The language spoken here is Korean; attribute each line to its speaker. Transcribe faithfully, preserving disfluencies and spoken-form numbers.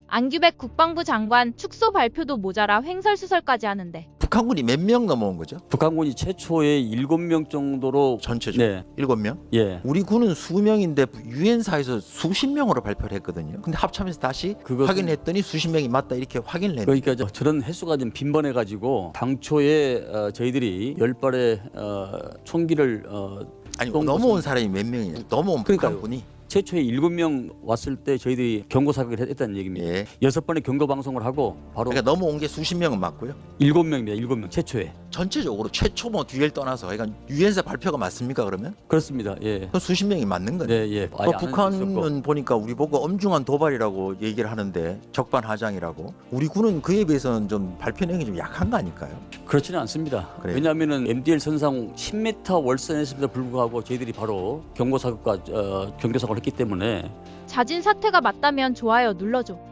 Speaker 1: 안규백 국방부 장관 축소 발표도 모자라 횡설수설까지 하는데
Speaker 2: 북한군이 몇 명 넘어온 거죠?
Speaker 3: 북한군이 최초에 일곱 명 정도로
Speaker 2: 전체죠.
Speaker 3: 네.
Speaker 2: 일곱 명?
Speaker 3: 예.
Speaker 2: 우리 군은 수명인데 유엔사에서 수십 명으로 발표를 했거든요. 근데 합참에서 다시
Speaker 3: 그것은-
Speaker 2: 확인했더니 수십 명이 맞다 이렇게 확인을 했는데
Speaker 3: 그러니까 저- 저런 횟수가 좀 빈번해 가지고 당초에 어, 저희들이 열 발의 어, 총기를 어,
Speaker 2: 아니
Speaker 3: 쏜
Speaker 2: 넘어온
Speaker 3: 것은-
Speaker 2: 사람이 몇 명이냐? 넘어온
Speaker 3: 그러니까요.
Speaker 2: 북한군이
Speaker 3: 최초에 일곱 명 왔을 때 저희들이 경고 사격을 했다는 얘기입니다.
Speaker 2: 예.
Speaker 3: 여섯 번의 경고 방송을 하고 바로
Speaker 2: 그러니까 넘어온 게 수십 명은 맞고요.
Speaker 3: 일곱 명입니다. 일곱 명 최초에.
Speaker 2: 전체적으로 최초 뭐 뒤를 떠나서 그러니까 유엔사 발표가 맞습니까 그러면?
Speaker 3: 그렇습니다. 예.
Speaker 2: 그럼 수십 명이 맞는 거네.
Speaker 3: 네, 예.
Speaker 2: 그
Speaker 3: 아예 아는 적이
Speaker 2: 북한은
Speaker 3: 없고.
Speaker 2: 보니까 우리 보고 엄중한 도발이라고 얘기를 하는데 적반하장이라고. 우리 군은 그에 비해서는 좀 발표 내용이 좀 약한 거 아닐까요?
Speaker 3: 그렇지는 않습니다.
Speaker 2: 그래요?
Speaker 3: 왜냐하면은 엠디엘 선상 십 미터 월선했음에도 불구하고 저희들이 바로 경고 사격과 어, 경고 사격을 했기 때문에
Speaker 1: 자진 사퇴가 맞다면 좋아요 눌러줘.